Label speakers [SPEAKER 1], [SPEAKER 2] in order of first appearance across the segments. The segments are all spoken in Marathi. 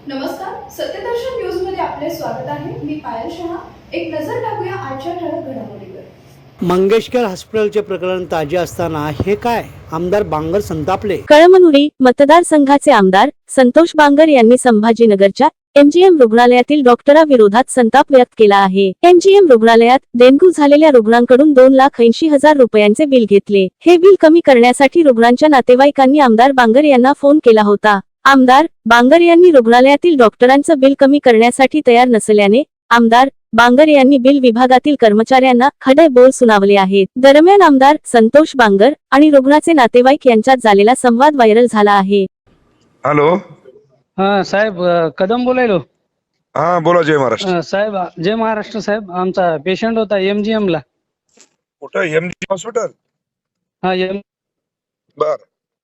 [SPEAKER 1] नमस्कार, सत्यदर्शन न्यूज मध्ये आपले स्वागत आहे. मी पायल शहा. एक नजर टाकूया आजच्या ठळक घडामोडीवर.
[SPEAKER 2] मंगेशकर हॉस्पिटलचे प्रकरण ताजे असताना हे काय? आमदार बांगर संतापले.
[SPEAKER 3] कळमनुरी मतदारसंघाचे आमदार संतोष बांगर यांनी संभाजीनगरच्या एमजीएम रुग्णालयातील डॉक्टराविरोधात संताप व्यक्त केला आहे. एमजीएम रुग्णालयात डेंग्यू झालेल्या रुग्णांकडून 2,80,000 रुपयांचे बिल घेतले. हे बिल कमी करण्यासाठी रुग्णांच्या नातेवाईकांनी आमदार बांगर यांना फोन केला होता. आमदार बांगर यांनी रुग्णालयातील डॉक्टरांचं बिल कमी करण्यासाठी तयार नसल्याने आमदार बांगर यांनी बिल विभागातील कर्मचाऱ्यांना खडे बोल सुनावले आहेत. दरम्यान आमदार संतोष बांगर आणि रुग्णाचे नातेवाईक यांच्यात झालेला संवाद व्हायरल झाला आहे.
[SPEAKER 4] हॅलो.
[SPEAKER 5] हा साहेब, कदम बोलायलो.
[SPEAKER 4] हा बोला. जय महाराष्ट्र.
[SPEAKER 5] साहेब जय महाराष्ट्र. साहेब आमचा पेशंट होता एमजीएम ला.
[SPEAKER 4] कुठं? MG hospital?
[SPEAKER 5] हा
[SPEAKER 4] बर.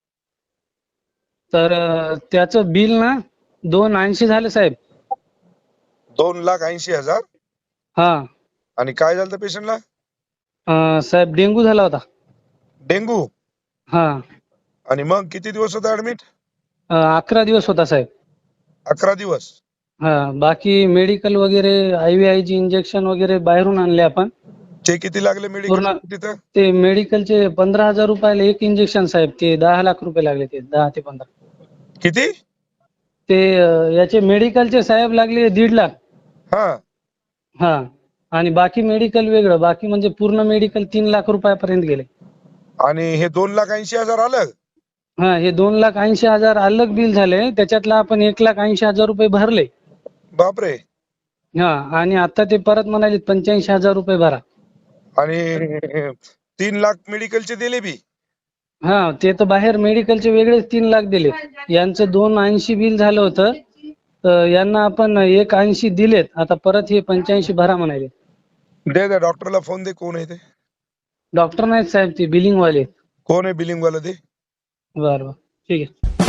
[SPEAKER 5] तर त्याचं बिल ना 2,80 झाले साहेब.
[SPEAKER 4] 2,80,000?
[SPEAKER 5] हा.
[SPEAKER 4] आणि काय झालं पेशंटला?
[SPEAKER 5] साहेब डेंग्यू झाला होता.
[SPEAKER 4] डेंगू?
[SPEAKER 5] हा.
[SPEAKER 4] आणि मग किती दिवस होता ऍडमिट?
[SPEAKER 5] 11 दिवस होता साहेब.
[SPEAKER 4] 11 दिवस?
[SPEAKER 5] हा. बाकी मेडिकल वगैरे IVIG इंजेक्शन वगैरे बाहेरून आणले आपण.
[SPEAKER 4] ते किती लागले मेडिकल तिथं?
[SPEAKER 5] ते मेडिकलचे 15,000 रुपयाला एक इंजेक्शन साहेब. ते 10 लाख रुपये लागले. ते 10 ते 15.
[SPEAKER 4] किती?
[SPEAKER 5] ते याचे मेडिकलचे साहेब लागले 1.5 लाख.
[SPEAKER 4] हा.
[SPEAKER 5] हा. आणि बाकी मेडिकल वेगळं. बाकी म्हणजे पूर्ण मेडिकल 3 लाख रुपयापर्यंत गेले.
[SPEAKER 4] आणि हे 2,80,000 आलं?
[SPEAKER 5] हा. हे 2,80,000 अलग बिल झाले. त्याच्यातला आपण 1,80,000 रुपये भरले.
[SPEAKER 4] बापरे.
[SPEAKER 5] हा. आणि आता ते परत म्हणाले 85,000 रुपये भरा.
[SPEAKER 4] आणि 3 लाख मेडिकलचे दिले बी?
[SPEAKER 5] हा. ते तर बाहेर मेडिकलचे वेगळेच 3 लाख दिले. यांचं 2,80 बिल झालं होतं. तर यांना आपण 1,80 दिलेत. आता परत हे 85 भरा म्हणाले.
[SPEAKER 4] दे डॉक्टरला फोन दे. कोण आहे ते?
[SPEAKER 5] डॉक्टर नाहीत साहेब, ते बिलिंग वाले.
[SPEAKER 4] कोण आहे बिलिंग वाला ते?
[SPEAKER 5] बरं ठीक आहे.